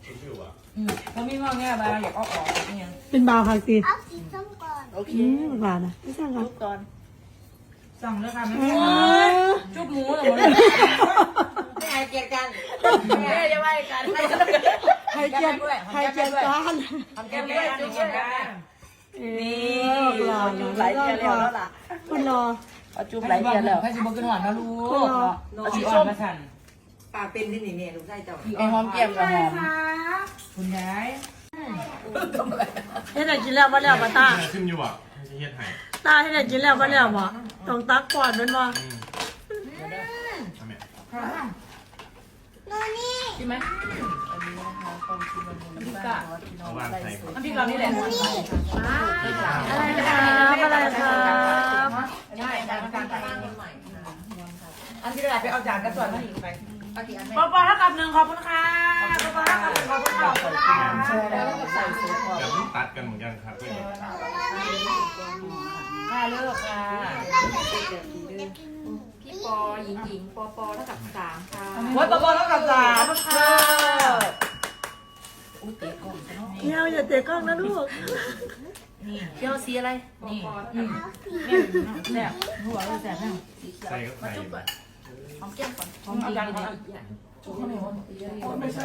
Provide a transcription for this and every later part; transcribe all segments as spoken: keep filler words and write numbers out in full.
เขาไม่ว่าแง่มาอยากเอาออกเนี่ยเป็นบาวค่ะสิเอาสีส้มก่อนโอเคอืมหวานนะไม่สั่งกันจุ๊บก่อนสั่งเลยค่ะแม่เออจุ๊บหมูเหรอไม่ให้เกียรติกันแม่จะไม่กันให้ให้เกียรติให้เกียรติกันทำแก้มด้วยจุ๊บกันนี่หล่อจุ๊บหลายเดือนแล้วล่ะคุณรอเอาจุ๊บหลายเดือนแล้วให้จุ๊บกินหวานนะลูกเอาสีส้มมาสั่นปากเป็นที่นี่เนี่ยลูกชายเจ้าไอหอมแก้มกับหอมคุณยายให้ได้กินแล้วมาแล้วมาตาขึ้นอยู่อ่ะไม่ใช่เฮ็ดไห้ตาให้ได้กินแล้วมาแล้วบ่ต้องตักก่อนมันบ่ทำไมโน่นนี่กินไหมอันนี้นะคะความคิดมันน้ำพริกกะเอาวางใส่น้ำพริกเรานี่แหละอะไรครับอะไรครับใช่จานจานจานอันที่กระดาษไปเอาจานกระสวนมาอีกไปปอปอเท่ากับหนึ่งขอบคุณค่ะปอปอเท่ากับหนึ่งขอบคุณค่ะใช่แล้วใส่ซุปก่อนเดี๋ยวต้องตัดกันเหมือนกันครับเพื่อนค่ะเลิกค่ะพี่ปอหญิงหญิงปอปอเท่ากับสามค่ะโอ้ยปอปอเท่ากับสามค่ะอุ้ยเตะกล้องซะเนาะเที่ยวอย่าเตะกล้องนะลูกนี่เที่ยวสีอะไรนี่อืมแซ่บหัวเลยแซ่บแน่ใส่ก็ใส่หอมแก้มก่อนหอมจริงๆเนี่ยไม่ใช่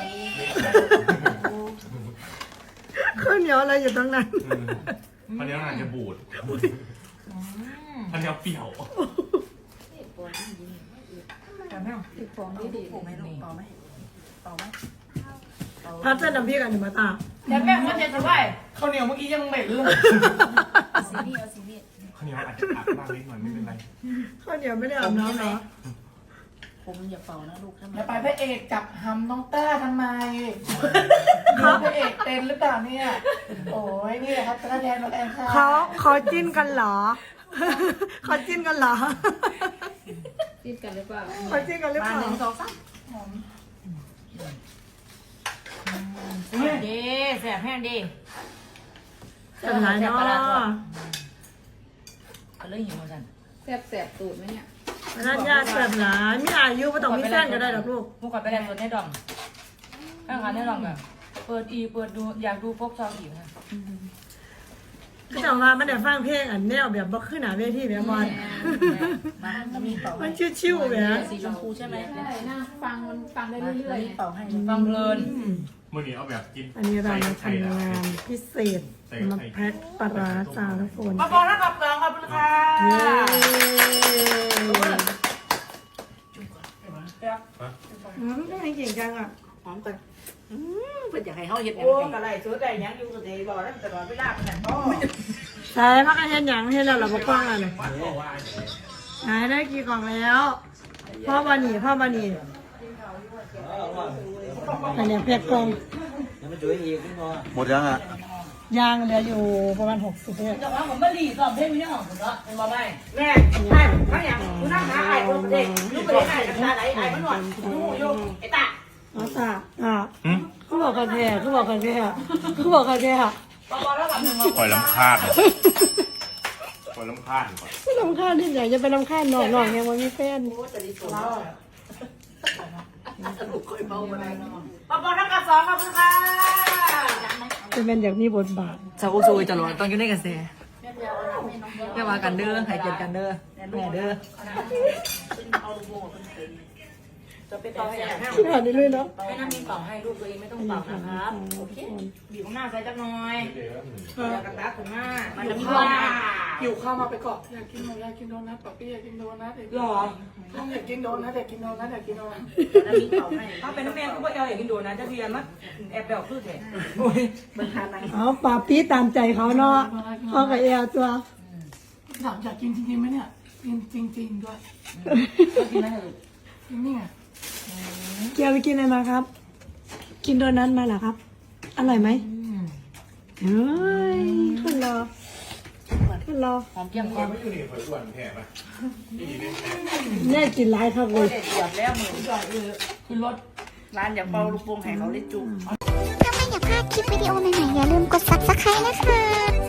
ข้าวเหนียวอะไรอยู่ตรงนั้นพันนี้อาจจะบูดพันนี้เปรี้ยวแซ่บแน่ติดฟองดีดีถูกไหมลูกเปล่าไหมเปล่าไหมพัดเส้นน้ำพริกกันอยู่มาตาแซ่บแม่คนเจ็ดสบายข้าวเหนียวเมื่อกี้ยังเหม็นเลยสีนี่เอาสีนี่ข้าวเหนียวอาจจะอักบ้างนิดหน่อยไม่เป็นไรข้าวเหนียวไม่ได้อาบน้ำเหรอผมอย่าเป่านะลูกทำไมแล้วไปพระเอกจับหำน้องต้าทำไมดูพระเอกเต้นหรือเปล่าเนี่ย โอ้ยนี่แหละครับตะแทนน้องแอนค่ะเขาเขาจิ้นกันเหรอเขาจิ้นกันเหรอติดกันหรือเปล่าเขาจิ้นกันหรือเปมาล่าหนึ่งสองสามดีแซ่บแห้งดีเป็นไรเนาะก็เลยหิวจันแสบแสบตูดไหมเนี่ยร้านยาเสิร์ฟหลายมีอายุไม่ต้องมีแฟนก็ได้หรอกลูกมุกก่อนไปแลนด์ตัวแน่ดองข้างขาแน่ดองแบบเปิดอีเปิดดูอยากดูพกซองอีกนะก็จะว่ามันได้ฟังเพลงอันแนวแบบบ่ขึ้นหน้าเวทีแบบมันมาแล้วมีเป่ามันชิวๆแบบสีชมพูใช่ไหมใช่นะฟังมันฟังได้เรื่อยๆเป่าให้ฟังเพลินเมื่อกี้เอาแบบกินอันนี้เรามาทำงานพิเศษมาแพ็คปลาร้าจาทุกคนปอปอถ้ากับสองขอบคุณค่ะเย้ อืมไม่เก่งจังอ่ะหอมกันเพื่อนอยากให้เขาเห็ดโอ้กระไรซื้อแต่ยังอยู่กับเจ๊บอกแล้วแต่บอกไม่ได้แต่ก็ใช่พักกันเห็นอย่างเห็นแล้วเราบอกกว้างอ่ะเนี่ยหายได้กี่กล่องแล้วพ่อบานีพ่อบานีอันเนี้ยเพชรกล่องหมดยังอ่ะยางเหลืออยู่ประมาณหกสิบเนี่ยแต่ว่าผมไม่รีสอบเพลงไม่ได้หอมผมละเป็นมาไม่แม่ใช่ข้างอย่างคุณนั่งหาไอ้คนเด็กลูกไปไหนกันตาไหนไอ้มันหนวดลูกโยกไอ้ตาอ๋อตาอ่ะเขาบอกกันแท้เขาบอกกันแท้เขาบอกกันแท้ปอปอถ้ากับหนึ่งปล่อยลำคาญปล่อยลำคาญก่อนไม่ลำคาญที่ไหนจะไปลำคาญหน่องหน่องยังไม่มีแฟนปอปอถ้ากับสองขอบคุณค่ะจะเป็นอย่างนี้บทบาทชาวซูจะรอต้องอยู่ในกระแสแม่มากันเด้อใครเกิดกันเด้อแม่เด้อจะไปต่อให้แม่ที่ผ่านนี้เลยเนาะไม่น่ามีเป่าให้ลูกตัวเองไม่ต้องเป่านะครับโอเคบีบข้างหน้าใส่จักหน่อยอยากกระตักข้างหน้ามันจะมีว่าอยู่เข้ามาไปเกาะอยากกินโนอยากกินโดนัทป๊อปปี้อยากกินโดนัทอยากกินหรออยากกินโดนัทอยากกินโดนัทอยากกินโดนัทแล้วมีเป่าให้ถ้าเป็นน้ำแม่ก็ไม่เอาอย่างนี้ดูนะจะเรียนมั้ยแอบแบบคือเถอะโอ้ยมันทานอะไรเอาปาปี้ตามใจเขาเนาะเขากับเอลตัวถามอยากกินจริงๆไหมเนี่ยกินจริงๆด้วยกินไหมลูกกินนี่ไงเกียวไปกินอะไรมาครับ กินโดนัทมาเหรอครับ อร่อยไหมเฮ้ยขึ้นรอขึ้นรอหอมเกี่ยมคอไม่อยู่นี่หอยอ้วนแผ่ปะนี่เนี่ยแน่กินหลายครับเลยเด็ดเดือดแล้วมือจ่อยเลยขึ้นรถร้านอย่าเป่าลูกโป่งให้เขาได้จุ่มถ้าไม่อยากพลาดคลิปวิดีโอใหม่ๆอย่าลืมกด ซับสไครบ์ นะคะ